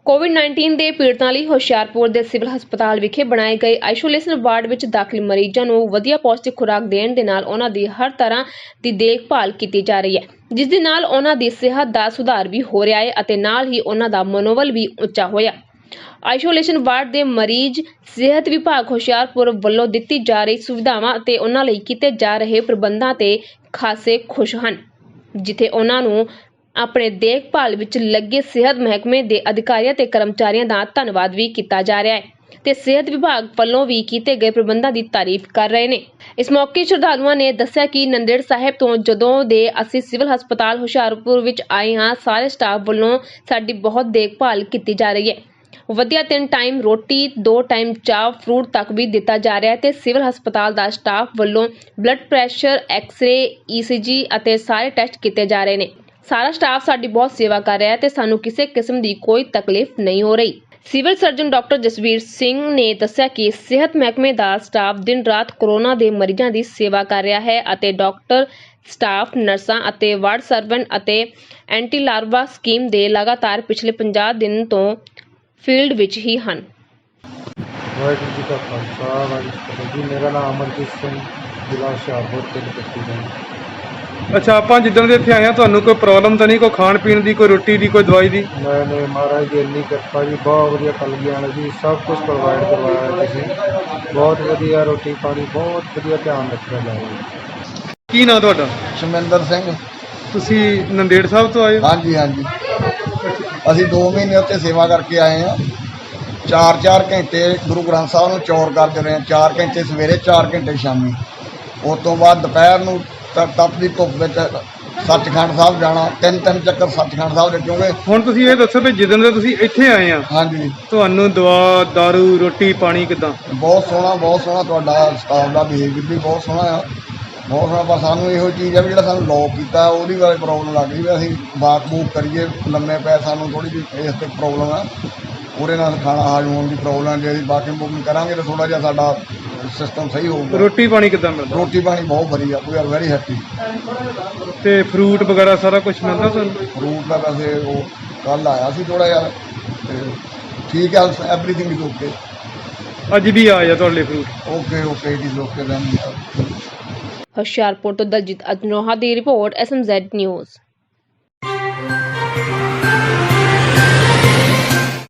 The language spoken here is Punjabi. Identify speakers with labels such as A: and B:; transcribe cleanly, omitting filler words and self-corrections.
A: ਕੋਵਿਡ-19 ਦੇ ਪੀੜਤਾਂ ਲਈ ਹੁਸ਼ਿਆਰਪੁਰ ਦੇ ਸਿਵਲ ਹਸਪਤਾਲ ਵਿਖੇ ਬਣਾਏ ਗਏ ਆਈਸੋਲੇਸ਼ਨ ਵਾਰਡ ਵਿੱਚ ਦਾਖਲ ਮਰੀਜ਼ਾਂ ਨੂੰ ਵਧੀਆ ਪੌਸ਼ਟਿਕ ਖੁਰਾਕ ਦੇਣ ਦੇ ਨਾਲ ਉਹਨਾਂ ਦੀ ਹਰ ਤਰ੍ਹਾਂ ਦੀ ਦੇਖਭਾਲ ਕੀਤੀ ਜਾ ਰਹੀ ਹੈ, ਜਿਸ ਦੇ ਨਾਲ ਉਹਨਾਂ ਦੀ ਸਿਹਤ ਦਾ ਸੁਧਾਰ ਵੀ ਹੋ ਰਿਹਾ ਹੈ ਅਤੇ ਨਾਲ ਹੀ ਉਹਨਾਂ ਦਾ ਮਨੋਬਲ ਵੀ ਉੱਚਾ ਹੋਇਆ। ਆਈਸੋਲੇਸ਼ਨ ਵਾਰਡ ਦੇ ਮਰੀਜ਼ ਸਿਹਤ ਵਿਭਾਗ ਹੁਸ਼ਿਆਰਪੁਰ ਵੱਲੋਂ ਦਿੱਤੀ ਜਾ ਰਹੀ ਸੁਵਿਧਾਵਾਂ ਅਤੇ ਉਹਨਾਂ ਲਈ ਕੀਤੇ ਜਾ ਰਹੇ ਪ੍ਰਬੰਧਾਂ ਤੇ ਖਾਸੇ ਖੁਸ਼ ਹਨ, ਜਿੱਥੇ ਉਹਨਾਂ ਨੂੰ ਆਪਣੇ ਦੇਖਭਾਲ ਵਿੱਚ ਲੱਗੇ ਸਿਹਤ ਮਹਿਕਮੇ ਦੇ ਅਧਿਕਾਰੀਆਂ ਤੇ ਕਰਮਚਾਰੀਆਂ ਦਾ ਧੰਨਵਾਦ ਵੀ ਕੀਤਾ ਜਾ ਰਿਹਾ ਹੈ ਤੇ ਸਿਹਤ ਵਿਭਾਗ ਵੱਲੋਂ ਵੀ ਕੀਤੇ ਗਏ ਪ੍ਰਬੰਧਾਂ ਦੀ ਤਾਰੀਫ ਕਰ ਰਹੇ ਨੇ। ਇਸ ਮੌਕੇ ਸ਼ਰਧਾਲੂਆਂ ਨੇ ਦੱਸਿਆ ਕਿ ਨੰਦੇੜ ਸਾਹਿਬ ਤੋਂ ਜਦੋਂ ਦੇ ਅਸੀਂ ਸਿਵਲ ਹਸਪਤਾਲ ਹੁਸ਼ਿਆਰਪੁਰ ਵਿੱਚ ਆਏ ਹਾਂ, ਸਾਰੇ ਸਟਾਫ ਵੱਲੋਂ ਸਾਡੀ ਬਹੁਤ ਦੇਖਭਾਲ ਕੀਤੀ ਜਾ ਰਹੀ ਹੈ। ਵਧੀਆ 3 ਟਾਈਮ ਰੋਟੀ, 2 ਟਾਈਮ ਚਾਹ, ਫਰੂਟ ਤੱਕ ਵੀ ਦਿੱਤਾ ਜਾ ਰਿਹਾ ਹੈ ਤੇ ਸਿਵਲ ਹਸਪਤਾਲ ਦਾ ਸਟਾਫ ਵੱਲੋਂ ਬਲੱਡ ਪ੍ਰੈਸ਼ਰ, ਐਕਸ-ਰੇ, ECG ਅਤੇ ਸਾਰੇ ਟੈਸਟ ਕੀਤੇ ਜਾ ਰਹੇ ਨੇ। ਸਾਰਾ ਸਟਾਫ ਸਾਡੀ ਬਹੁਤ ਸੇਵਾ ਕਰ ਰਿਹਾ ਹੈ ਤੇ ਸਾਨੂੰ ਕਿਸੇ ਕਿਸਮ ਦੀ ਕੋਈ ਤਕਲੀਫ ਨਹੀਂ ਹੋ ਰਹੀ। Civil surgeon doctor Jasvir Singh ਨੇ ਦੱਸਿਆ ਕਿ ਸਿਹਤ ਮਹਿਕਮੇ ਦਾ ਸਟਾਫ ਦਿਨ ਰਾਤ ਕੋਰੋਨਾ ਦੇ ਮਰੀਜ਼ਾਂ ਦੀ ਸੇਵਾ ਕਰ ਰਿਹਾ ਹੈ ਅਤੇ ਡਾਕਟਰ, ਸਟਾਫ, ਨਰਸਾਂ ਅਤੇ ਵਾਰਡ ਸਰਵੈਂਟ ਅਤੇ ਐਂਟੀ ਲਾਰਵਾ ਸਕੀਮ ਦੇ ਲਗਾਤਾਰ ਪਿਛਲੇ 50 ਦਿਨ ਤੋਂ ਫੀਲਡ ਵਿੱਚ ਹੀ ਹਨ।
B: ਵਾਹਿਗੁਰੂ ਜੀ ਕਾ ਖਾਲਸਾ, ਵਾਹਿਗੁਰੂ ਜੀ ਕੀ ਫਤਿਹ। ਮੇਰਾ ਨਾਮ ਅਮਰਜੀਤ ਸਿੰਘ, ਜ਼ਿਲ੍ਹਾ ਹੁਸ਼ਿਆਰਪੁਰ ਪਿੰਡ ਪੱਟੀ ਦਾ।
C: ਅੱਛਾ, ਆਪਾਂ ਜਿੱਦਣ ਦੇ ਇੱਥੇ ਆਏ ਹਾਂ, ਤੁਹਾਨੂੰ ਕੋਈ ਪ੍ਰੋਬਲਮ ਤਾਂ ਨਹੀਂ, ਕੋਈ ਖਾਣ ਪੀਣ ਦੀ, ਕੋਈ ਰੋਟੀ ਦੀ, ਕੋਈ ਦਵਾਈ ਦੀ?
B: ਨਹੀਂ, ਮਹਾਰਾਜ ਦੀ ਇੰਨੀ ਕਿਰਪਾ ਜੀ, ਬਹੁਤ ਵਧੀਆ ਕਲਗੀਆਂ ਨੇ ਜੀ, ਸਭ ਕੁਝ ਪ੍ਰੋਵਾਈਡ ਕਰਵਾਇਆ ਤੁਸੀਂ, ਬਹੁਤ ਵਧੀਆ ਰੋਟੀ ਪਾਣੀ, ਬਹੁਤ ਵਧੀਆ ਧਿਆਨ ਰੱਖਿਆ ਜਾ ਰਿਹਾ।
C: ਕੀ ਨਾਂ ਤੁਹਾਡਾ?
D: ਸ਼ਮਿੰਦਰ ਸਿੰਘ।
C: ਤੁਸੀਂ ਨੰਦੇੜ ਸਾਹਿਬ ਤੋਂ ਆਏ ਹੋ?
D: ਹਾਂਜੀ, ਅਸੀਂ 2 ਮਹੀਨੇ ਉੱਥੇ ਸੇਵਾ ਕਰਕੇ ਆਏ ਹਾਂ। 4-4 ਘੰਟੇ ਗੁਰੂ ਗ੍ਰੰਥ ਸਾਹਿਬ ਨੂੰ ਚੌਰ ਕਰਦੇ ਰਹੇ, 4 ਘੰਟੇ ਸਵੇਰੇ, 4 ਘੰਟੇ ਸ਼ਾਮੀ। ਉਸ ਤੋਂ ਬਾਅਦ ਦੁਪਹਿਰ ਨੂੰ ਤਪਦੀ ਧੁੱਪ ਵਿੱਚ ਸੱਚਖੰਡ ਸਾਹਿਬ ਜਾਣਾ, 3-3 ਚੱਕਰ ਸੱਚਖੰਡ ਸਾਹਿਬ ਦੇ। ਕਿਉਂਕਿ
C: ਹੁਣ ਤੁਸੀਂ ਇਹ ਦੱਸੋ ਵੀ ਜਿੱਦਣ ਦੇ ਤੁਸੀਂ ਇੱਥੇ ਆਏ ਆ,
D: ਹਾਂਜੀ,
C: ਤੁਹਾਨੂੰ ਦਵਾ, ਦਾਰੂ, ਰੋਟੀ ਪਾਣੀ ਕਿੱਦਾਂ?
D: ਬਹੁਤ ਸੋਹਣਾ ਤੁਹਾਡਾ ਸਟਾਫ ਦਾ ਬਿਹੇਵੀਅਰ ਵੀ ਬਹੁਤ ਸੋਹਣਾ ਆ, ਬਹੁਤ ਸੋਹਣਾ। ਪਰ ਸਾਨੂੰ ਇਹੋ ਚੀਜ਼ ਆ ਵੀ ਜਿਹੜਾ ਸਾਨੂੰ ਲੌਕ ਕੀਤਾ ਉਹਦੀ ਬਾਰੇ ਪ੍ਰੋਬਲਮ ਲੱਗ ਰਹੀ ਵੀ ਅਸੀਂ ਵਾਕ ਵੂਕ ਕਰੀਏ, ਲੰਮੇ ਪੈ, ਸਾਨੂੰ ਥੋੜ੍ਹੀ ਜਿਹੀ ਇਸ 'ਤੇ ਪ੍ਰੋਬਲਮ ਆ, ਉਹਦੇ ਨਾਲ ਖਾਣਾ ਹਾਜ਼ਮ ਹੋਣ ਦੀ ਪ੍ਰੋਬਲਮ। ਜੇ ਅਸੀਂ ਵਾਕਿੰਗ ਵੂਕਿੰਗ ਕਰਾਂਗੇ ਤਾਂ ਥੋੜ੍ਹਾ ਜਿਹਾ ਸਾਡਾ ਸਿਸਟਮ ਸਹੀ ਹੋਊਗਾ।
C: ਰੋਟੀ ਪਾਣੀ ਕਿੱਦਾਂ ਮਿਲਦਾ?
D: ਰੋਟੀ ਪਾਣੀ ਬਹੁਤ ਵਧੀਆ, ਵੀ ਆਰ ਵੈਰੀ ਹੈਪੀ।
C: ਤੇ ਫਰੂਟ ਵਗੈਰਾ ਸਾਰਾ ਕੁਝ ਮਿਲਦਾ ਤੁਹਾਨੂੰ?
D: ਫਰੂਟ ਦਾ ਵੈਸੇ ਉਹ ਕੱਲ੍ਹ ਆਇਆ ਸੀ ਥੋੜ੍ਹਾ ਜਿਹਾ, ਤੇ ਠੀਕ ਹੈ, ਐਵਰੀਥਿੰਗ ਇਜ਼ ਓਕੇ।
C: ਅੱਜ ਵੀ ਆਇਆ ਤੁਹਾਡੇ ਲਈ fruit?
D: Okay it is okay then.
A: Hoshiarpur ਤੋਂ ਦਲਜੀਤ ਅਜਨੋਹਾ ਦੀ ਰਿਪੋਰਟ, SMZ ਨਿਊਜ਼।